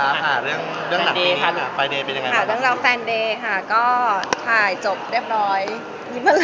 ครับเรื่องหนังปีนี้ค่ะไฟเดย์เป็นยังไงบ้างค่ะเรื่องเราแฟนเดย์ค่ะก็ถ่ายจบเรียบร้อยยิ้มอะไร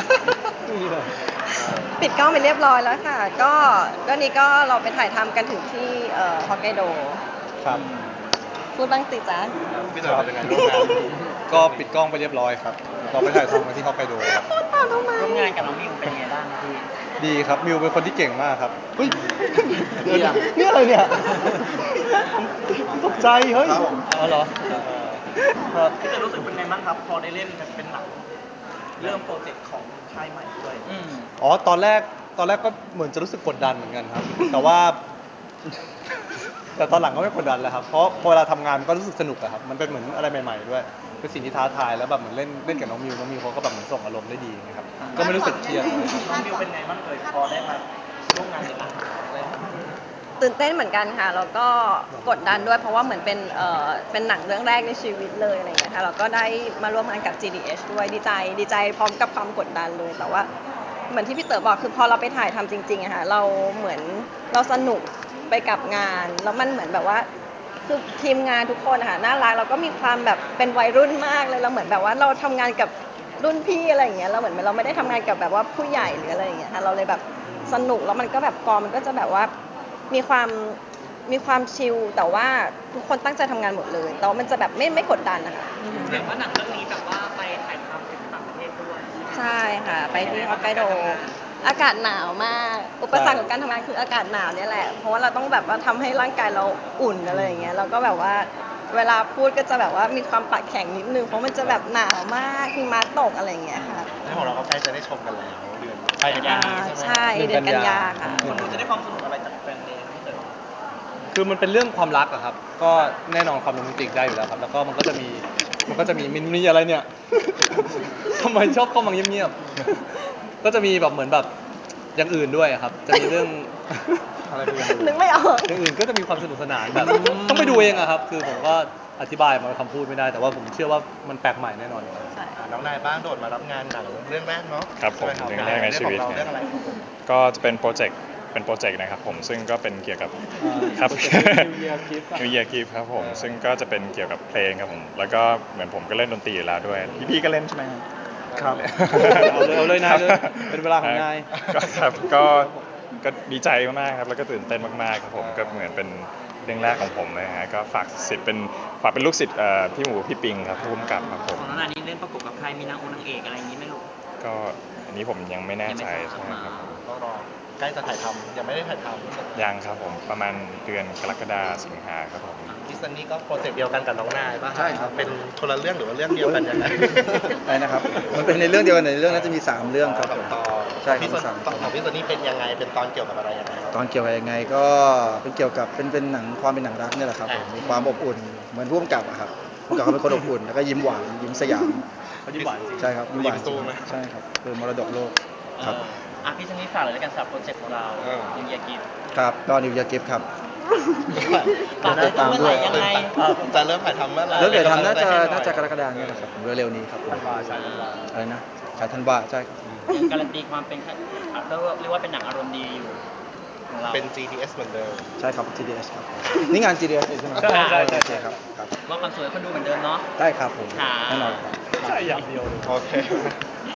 ปิดกล้องไปเรียบร้อยแล้วค่ะ ก็นี่ก็เราไปถ่ายทำกันถึงที่ฮอกไกโดครับพูดบ้างสิจ๊ะพี่เต๋อเป็นยังไงร่วมงานก็ปิดกล้องไปเรียบร้อยครับเราไปถ่ายทำกันที่ฮอกไกโดครับพูดต่อทำไมร่วมงานกับน้องมิวเป็นไงบ้างพี่ดีครับมิวเป็นคนที่เก่งมากครับเฮ้ยดีอะนี่อะไรเนี่ยตกใจเฮ้ยครับผมอ๋อเหรอครับพี่จะรู้สึกเป็นไงบ้างครับ พอได้เล่นเป็นหนังเริ่มโปรเจกต์ของค่ายใหม่ด้วยอ๋อตอนแรกก็เหมือนจะรู้สึกกดดันเหมือนกันครับ แต่ว่า แต่ตอนหลังก็ไม่กดดันแล้วครับเพราะพอเวลาทำงานมันก็รู้สึกสนุกอะครับมันเป็นเหมือนอะไรใหม่ๆด้วยเป็นสิ่งที่ท้าทายแล้วแบบเหมือนเล่นกับน้องมิวเขาก็แบบเหมือนส่งอารมณ์ได้ดีนะครับก็ไม่รู้สึกเครียดน้องมิวเป็นไงบ้างพอได้มาร่วมงานในหนังเลยตื่นเต้นเหมือนกันค่ะแล้วก็กดดันด้วยเพราะว่าเหมือนเป็นหนังเรื่องแรกในชีวิตเลยอะไรอย่างเงี้ยค่ะเราก็ได้มาร่วมงานกับ GDH ด้วยดีใจพร้อมกับความกดดันเลยแต่ว่าเหมือนที่พี่เต๋อบอกคือพอเราไปถ่ายทำจริงๆอะค่ะเราเหมือนเราสนุกไปกับงานแล้วมันเหมือนแบบว่าคือทีมงานทุกคนอะค่ะน่ารักแล้วก็มีความแบบเป็นวัยรุ่นมากเลยเราเหมือนแบบว่าเราทำงานกับรุ่นพี่อะไรอย่างเงี้ยเราเหมือนเราไม่ได้ทำงานกับแบบว่าผู้ใหญ่หรืออะไรอย่างเงี้ยค่ะเราเลยแบบสนุกแล้วมันก็แบบกองมันก็จะแบบว่ามีความชิลแต่ว่าทุกคนตั้งใจทำงานหมดเลยแต่ว่ามันจะแบบไม่กดดันนะคะเห็นว่าหนังเรื่องนี้แบบว่าไปถ่ายทำถึงต่างประเทศด้วยใช่ค่ะไปที่ฮอกไกโดอากาศหนาวมากอุปสรรคของการทำงานคืออากาศหนาวเนี่ยแหละเพราะว่าเราต้องแบบว่าทำให้ร่างกายเราอุ่นอะไรอย่างเงี้ยเราก็แบบว่าเวลาพูดก็จะแบบว่ามีความปากแข็งนิดนึงเพราะมันจะแบบหนาวมากหิมะตกอะไรอย่างเงี้ยค่ะแล้วของเราก็ใกล้จะได้ชมกันแล้วเดือนกันยายนนี้ใช่ไหมใช่เดือนกันยาค่ะคนดูจะได้ความสนุกอะไรจากแฟนเดย์พี่เต๋อคือมันเป็นเรื่องความรักอะครับ ก็แน่นอนความโรแมนติกได้อยู่แล้วครับ แล้วก็มันก็จะมีมีอะไรเนี่ย ทำไมชอบเข้ามาเงียบๆ ก็จะมีแบบเหมือนแบบอย่างอื่นด้วยอะครับ จะมีเรื่อง อะไรพวกนี้นึกไม่ออกอย่างอื่นก็จะมีความสนุกสนานแบบต้องไปดูเองอะครับ คือผมก็อธิบายมาคำพูดไม่ได้ แต่ว่าผมเชื่อว่ามันแปลกใหม่แน่นอนอยู่แล้วน้องนายบ้างโดดมารับงานหนังเรื่องแรกเนาะครับผมใช่ไหเรื่องแรกในชีวิตเรื่องอะไรครับผมก็จะเป็นโปรเจกต์นะครับผมซึ่งก็เป็นเกี่ยวกับครับ New Year Gift อะ New Year Gift ครับผมซึ่งก็จะเป็นเกี่ยวกับเพลงครับผมแล้วก็เหมือนผมก็เล่นดนตรีอยู่แล้วด้วยพี่ก็เล่นใช่ไหมครับเอาเลยนายเลยเป็นเวลาของนายก็ครับก็ดีใจมากๆครับแล้วก็ตื่นเต้นมากๆครับผมก็เหมือนเป็นเรื่องแรกของผมนะฮะก็ฝากเป็นลูกศิษย์พี่หมูพี่ปิงครับผู้กำกับครับผมของน้องนานี้เล่นประกบกับใครมีนางเอกอะไรอย่างนี้ไหมลูกก็อันนี้ผมยังไม่แน่ใจใช่ไหมครับผมต้องรอใกล้จะถ่ายทำยังไม่ได้ถ่ายทำยังครับผมประมาณเดือนกรกฎาคมสิงหาครับผมคิสซันนี่ก็โปรเจกต์เดียวกันกับน้องนายป่ะใช่ครับเป็นคนละเรื่องหรือว่าเรื่องเดียวกันยังไงอะไรนะครับ มันเป็นในเรื่องเดียวกันในเรื่องนั้นจะมี 3 เรื่องครับสองตอนใช่ครับพี่ซันสามตอนของพี่ซันนี่เป็นยังไงเป็นตอนเกี่ยวกับอะไรยังไงครับตอนเกี่ยวกับยังไงก็เป็นเกี่ยวกับเป็นหนังความเป็นหนังรักเนี่ยแหละครับผมมีความอบอุ่นเหมือนผู้กำกับอะครับผู้กำกับเขาเป็นคนอบอุ่นแล้วก็ยิ้มหวานยิ้มสยามเขายิ้มหวานจริงใช่ครับยิ้มหวานยิ้มสู้ไหมใช่ครับคือมรดกโลกครับพี่ชนิดฝากเลยแล้วกันสำหรับโปรเจกต์ของเรา New Year Gift ครับก็นิวยอร์กกิฟครับฝากเลยเมื่อไหร่ยังไงจะเริ่มถ่ายทำเมื่อไหร่แล้วเดี๋ยวทำน่าจะเป็กำลังใจให้หน่าจะกรกฎาคมเนี่ยแหละครับผมเร็วๆนี้ครับผมอะไรนะฉายธันวาใช่ครับการันตีความเป็นเรียกว่าเป็นหนังอารมณ์ดีอยู่ของเราเป็น GTS เหมือนเดิมใช่ครับ GDS ครับนี่งาน GDS ใช่ไหมใช่ใช่ใช่โอเคครับครับว่าความสวยคนดูเหมือนเดิมเนาะได้ครับผมค่ะแน่นอนครับใช่อย่างเดียวเลยโอเค